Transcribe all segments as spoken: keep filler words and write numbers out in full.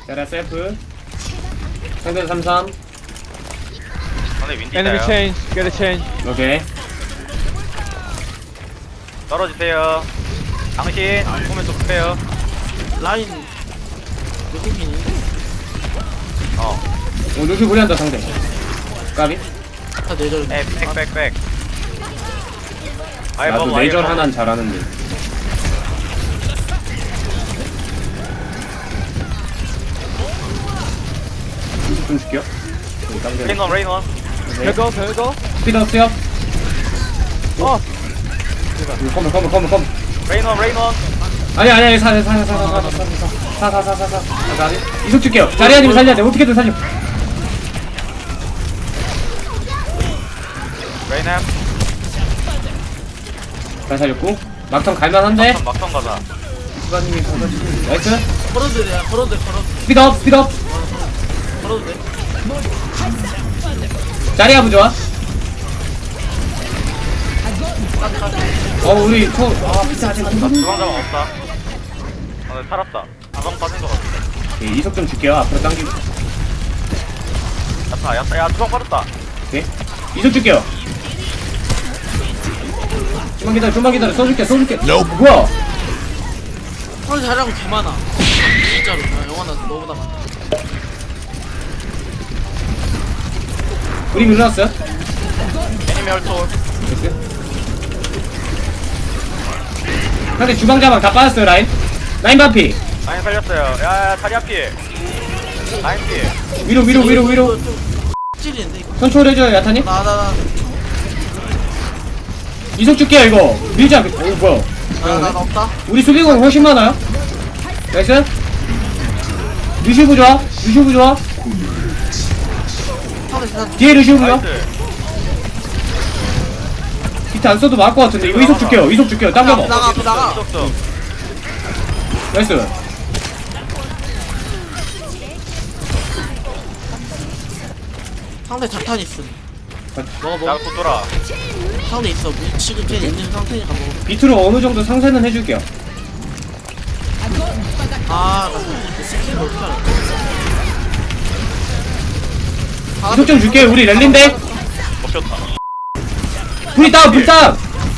자리야 셀프. 상대 삼삼. 상대 윈디 Enemy 있어요. change, get a change. 오케이. 떨어지세요. 당신 보면 좀 급해요. 라인 외국인이 어. 오 루시 무리한다 상대. 까비. 다 내절. 에, 백백백. 아이 나도 뭐 내절 하나는 잘하는데. 이십 분 줄게요. 여기 깜짝이야. 레인원 레인원. 별거, 별거. 스피드업 스업. 어, 컴온 컴온 컴온 컴온. 레인원 레인원. 아니 아니 아니 사사 사사 사사 사사 사사 사사 사사 사사 이속 줄게요. 자리아님 살려야 돼. 어떻게든 살려. 레인햄. 잘 살렸고 막턴 갈만한데. 막턴 막턴 가자. 수바님이 가가지고 나이스. 걸어도 돼, 걸어도 돼, 걸어도 돼, 스피드업 스피드업. 걸어도 돼. 자리아 부좋아. 어 우리 소아 피트 아직 안 나 돼. 주방 자방 없다. 아, 나 살았다. 자방 빠진 거 같은데. 오케이, 이속 좀 줄게요. 앞으로 당기고. 야타 야타 야 주방 빠졌다. 오케이. 이속 줄게요. 좀만 기다려, 좀만 기다려. 써줄게, 써줄게. 뭐야? 오늘 잘하고 개 많아. 진짜로. 나 영화나 너보다 많아. 우리 밀어놨어요? 애니메 혈톨. 됐어요? 상대 주방 자방 다 빠졌어요, 라인. 라인 반피. 라인 살렸어요. 야야 다리 앞이. 라인 피. 위로, 위로, 위로, 위로. 찔리는데 이거. 컨트롤 해줘요, 야타님. 나, 나, 나, 이속 줄게요, 이거. 밀지 않게. 오, 뭐야. 나, 나, 나 없다. 우리 수비공 훨씬 많아요. 나이스. 루시브 좋아. 루시브 좋아. 상대 대단. 뒤에 루시브 좋아. 나이스. 비트 안 써도 막을 것 같은데. 이거 이속 줄게요. 이속 줄게요. 당겨봐. 나가, 앞에 나가. 이속도. 나이스. 상대 자탄 있음. 먹어, 나 먹어. 곧 돌아. 상대 있어. 우리 지금 쟤 있는 상태니까 먹어. 비트로 어느 정도 상세는 해줄게요. 아, 나 그 스킬을 어떻게 알아? 이속 좀 줄게요. 우리 랠린데. 먹혔다. 불이 다운, 불 다운.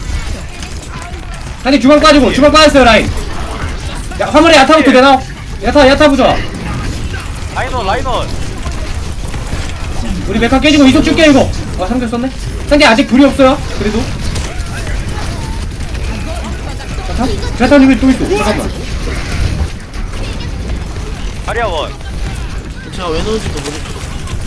한대 주방 빠지고, 주방 빠졌어요, 라인. 야, 화물에 야타부터 내놔. 야타, 야타 부좋아. 라인원 라인원. 우리 메카 깨지고 이속 줄게, 이거. 아, 상대 썼네? 상대 아직 불이 없어요. 그래도. 야타? 야타님이 또 있어. 잠깐만. 다리아원. 제가 왜 넣은지도 모르겠어.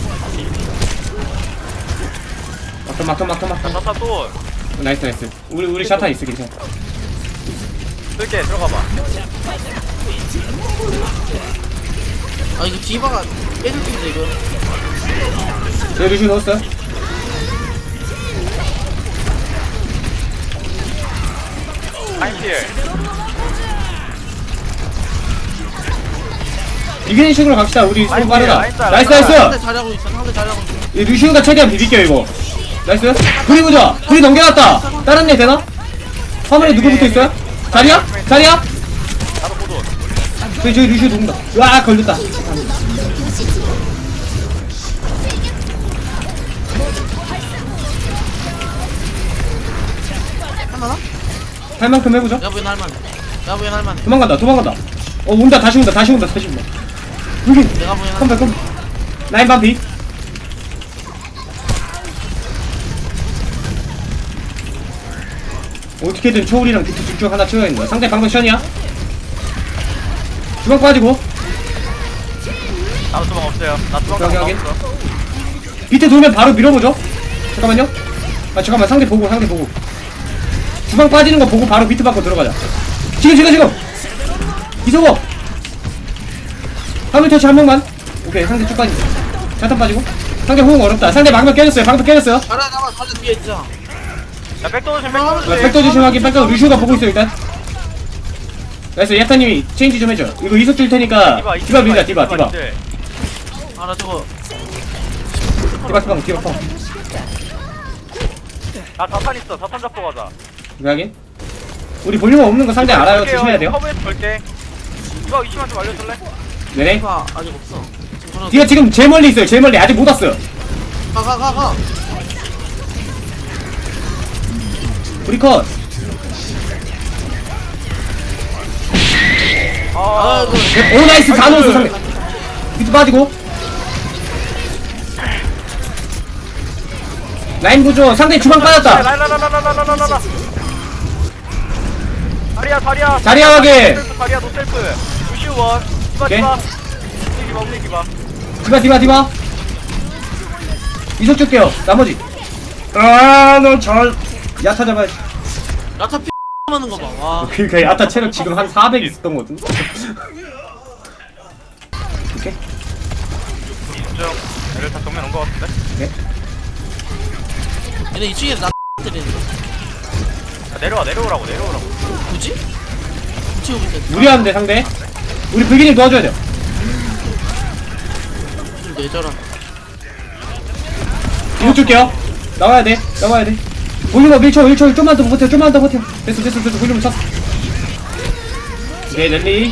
막턴, 막턴, 막턴, 자 막턴. 자타 또. 나이스, 나이스. 우리, 우리 샤타 있어, 괜찮아. 쓸게 들어가봐. 아, 이거 디바가 빼줄 텐데, 이거. 네, 루시 넣었어요. 라인 필. 이기는 식으로 갑시다. 우리 서로 라인 빠르다. 라인 따라, 나이스, 라인 나이스. 상대 잘하고 있어, 상대 잘하고 있어. 이 루시우가 최대한 비빌게요, 이거. 나이스. 불이 보자. 불이 넘겨놨다. 다른 애 되나? 화물에 누구 붙어 있어요? 자리야? 자리야? 나도 고도. 저기, 저기 루시우 누군가. 와, 걸렸다. 할만하? 할 만큼 해보죠. 야부인 할만해. 야부인 할만해. 도망간다, 도망간다. 어, 온다, 다시 온다, 다시 온다, 다시 온다. 여기. 내가 보인 할만해. 컴백, 컴백. 라인 반피. 어떻게든 초울이랑 비트 쭉쭉 하나 채워야겠는 거야. 상대 방금 션이야. 주방 빠지고. 나도 주방 없어요. 나 주방 여기, 자방 여기. 없어. 비트 돌면 바로 밀어보죠. 잠깐만요. 아, 잠깐만, 상대 보고, 상대 보고. 주방 빠지는 거 보고 바로 비트 받고 들어가자. 지금, 지금, 지금! 이소거! 화물 터치 한 명만. 오케이, 상대 쭉 빠지고. 자탄 빠지고. 상대 호응 어렵다. 상대 방금 깨졌어요, 방금 깨졌어요. 가라, 가라, 가라, 뒤에 있잖아. 야 백도 조심 백도 조심. 아, 백도 조심하기, 백도 루시오가 보고 있어, 일단. 나이스, 야타님이 체인지 좀 해줘. 이거 이속 줄 테니까. 디바 밀자, 디바, 디바. 아, 나 저거. 디바, 디바, 디바, 디바. 나 자탄 있어. 자탄 잡고 가자. 이거 하긴. 우리 볼륨 없는 거 상대 알아요. 조심해야 돼요. 커브에서 볼게. 이거 이시만 좀 알려줄래? 네네. 디바 아직 없어. 지금 걸어도 디바 지금 제일 멀리 있어요. 제일 멀리 아직 못 왔어요. 가, 가, 가, 가. 우리 컷. 아, 아이고. 오 나이스 다 넣었어 상대. 비트 빠지고. 라인 보조 상대 주방 빠졌다. 라라라라라라라라라. 다리야, 다리야. 자리야, 확인. 다리야, 노셀프. 루시우 원. 디바, 오케이. 디바. 움직이봐, 움직이봐. 디바 디바 디바. 이속 줄게요. 나머지. 아너잘 야타 잡아야지. 야타 피 하는 거 봐. 와. 그니까 야타 체력 지금 한 사백 있었던 거 같은데. 오케이. 인정. 애들 다 정면 온 거 같은데? 오케이. 얘네 이 층에서 나 때리는데. 야, 내려와, 내려오라고, 내려오라고. 뭐지? 이 층에 오고 있어. 무리하는데 상대. 우리 불기님 도와줘야 돼요. 좀 내줘라. 이속 줄게요. 나와야 돼. 나와야 돼. 볼륨업 일 초 일 초 좀만 더 버텨. 좀만 더 버텨. 됐어 됐어 됐어. 볼륨 찼어. 네 랠리.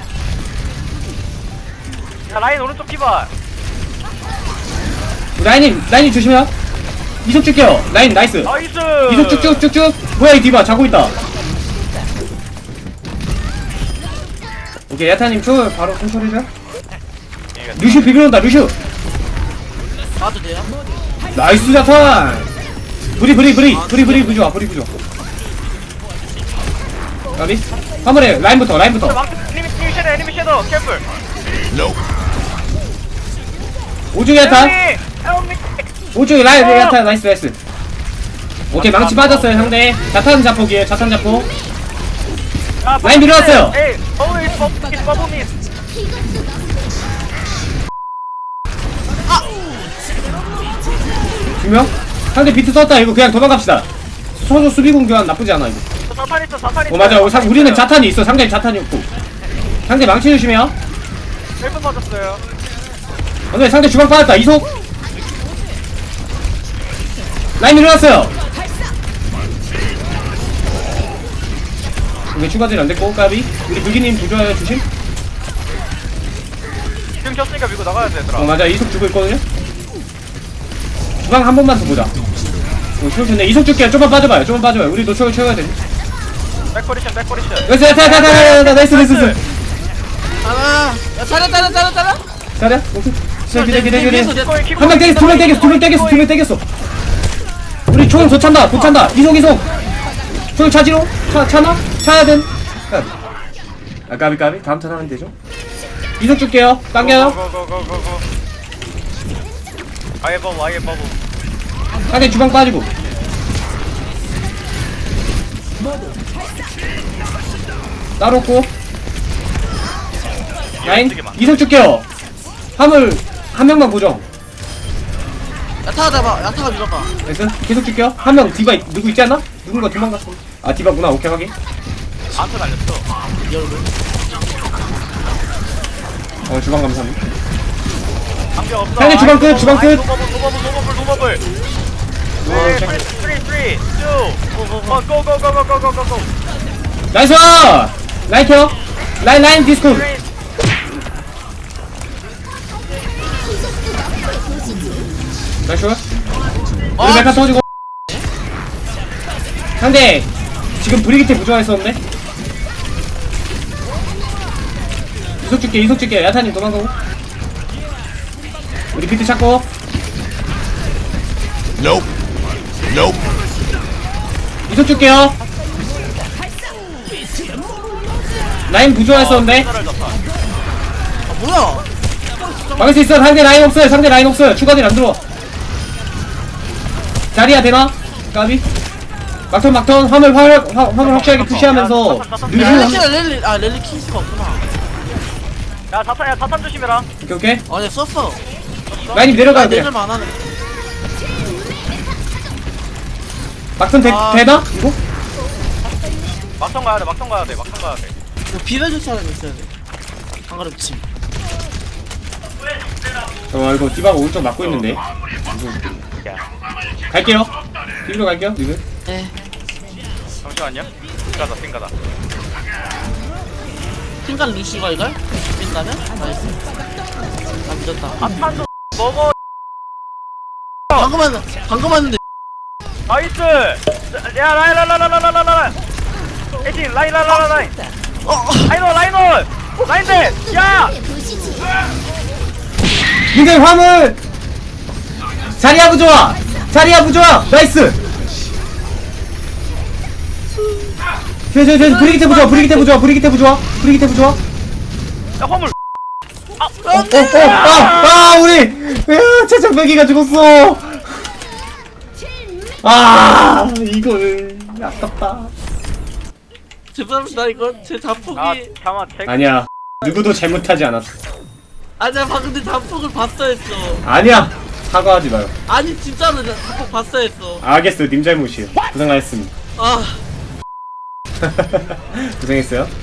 야, 라인 오른쪽 피봐. 라인님 라인님 조심해요. 이속 줄게요. 라인 나이스. 나이스! 이속 쭉쭉쭉쭉. 뭐야 이 디바 자고 있다. 오케이 야타님 초 바로 컨트롤해줘요. 루슈 비벼온다 루슈. 봐도 돼요? 나이스 야타. 브리 브리 브리 브리 브리 부좋아 브리 부좋아. 가비. 화물에 라인부터 라인부터. 망치, 에니미, 에니미 섀도우, 에니미 섀도우, 캠플. 오중에 야타. 에니미! Help me! 오중에 라인 야타 나이스 나이스. 오케이 망치 빠졌어요 상대. 자탄 자폭이에요 자탄 자폭. 야, 라인 밀어놨어요. 에이, 버블, 버블, 버블. 두명 상대 비트 썼다. 이거 그냥 도망갑시다. 소조 수비공 교환 나쁘지 않아 이거. 자탄 있어, 자탄 있어. 어 맞아. 사- 우리는 자탄이 있어. 상대 자탄이 없고. 상대 망치 조심해요. 셀프 맞았어요. 근데 상대 주방 빠졌다. 이속. 라인 일어났어요. 이게 추가질 안 됐고 까비. 우리 불기님 부조화요 조심. 지금 켰으니까 밀고 나가야 돼, 얘들아. 어 맞아. 이속 주고 있거든요. 주방 한 번만 더 보자. 어 좋은데 이속 줄게요. 좀만 빠져봐요. 좀만 빠져봐요. 우리 노초를 채워야 돼. 백퍼리션, 백퍼리션. 나이스 야타 야타 야타 야타 나이스 나이스 나이스. 하나. 야, 잘해, 잘해, 잘해, 잘해. 잘해. 오케이. 기대 기대 기대 기대. 위에서 내- 한 명 떼겼어, 두 명 떼겼어, 두 명 떼겼어, 두 명 떼겼어. 우리 총 도찬다, 도찬다. 이속, 이속. 총 차지로? 차, 차나? 차야 된. 아, 까비, 까비. 다음 턴 하면 되죠. 이속 줄게요. 당겨요. 고고고고고고. 아예 버브, 아예 버브. 상대 주방 빠지고. 따로 없고. 라인. 이속 줄게요. 화물 한 명만 고정. 야타가 잡아. 야타가 밀어봐. 됐어? 계속 줄게요. 한 명 디바 있- 누구 있지 않나? 누군가 도망갔어. 아 디바구나. 오케이 확인. 안터 날렸어. 이 얼굴. 어 주방 감사합니다. 방벽 없어. 상대 주방 끝, 아이, 주방 끝. 아이, 노버블, 노버블, 노버블, 노버블. 네, 오케이. 쓰리, 쓰리, 투, 원, 고, 고, 고, 고, 고, 고, 고, 고. 나이스! 라인 켜! 라인 라인 디스코! 쓰리. 나이스! 아, 우리 메카 터지고 상대 지금 브리기테 부조화했었는데? 이속 줄게 이속 줄게 야타님 도망가고 우리 비트 찾고 Nope. Nope. 이속 줄게요 라인 부조화했었는데? 하나를 잡아. 아, 뭐야? 막을 수 있어 상대 라인 없어요 상대 라인 없어요 추가딜 안 들어와 자리야 되나? 까비? 막턴 막턴 화물 화물 화- 화물 확실하게 푸시하면서 렐리 루슈 키가 렐리, 아, 렐리 키스가 없구나. 야, 자탄, 야, 자탄 조심해라. 오케이 오케이 아, 내가 썼어. 라인이 내려가야 돼 내절만 안 하네. 막턴 되, 아. 되나? 이거? 막상 가야 돼, 막상 가야 돼, 막상 가야 돼. 이거 비벼줄 사람이 있어야 돼. 안 그럼 침. 어 이거 디바가 오른쪽 막고 있는데 야, 갈게요 뒤로 갈게요 지금 네. 잠시만요. 띵가다, 띵가다. 핑간 리시가 이걸? 이긴다면? 나이스. 나 믿었다. 아 탄도 먹어. 방금 한 방금 왔는데. 나이스. 야 라인 라인 라인 라인 라인 라인 라인. 에이팅 라인 라인 라인 라인. 어. 라인원 라인원. 라인대. 야. 민들 화물. 자리야 부좋아. 자리야 부좋아. 나이스. 저저 저 브리기테 부좋아. 브리기테 부좋아. 브리기테 부좋아. 브리기테 부좋아. 야 화물. 어, 어, 아, 아, 우리, 야, 최장배기가 죽었어. 아, 이거는 아깝다. 죄송합니다. 이거 제 자폭이. 아 잠깐 제. 아니야, 누구도 잘못하지 않았어. 아니야 방금 내 자폭을 봤어 했어. 아니야, 사과하지 마요. 아니 진짜로 나 자폭 봤어 했어. 알겠어, 님 잘못이에요. 고생하셨습니다. 아. 고생했어요.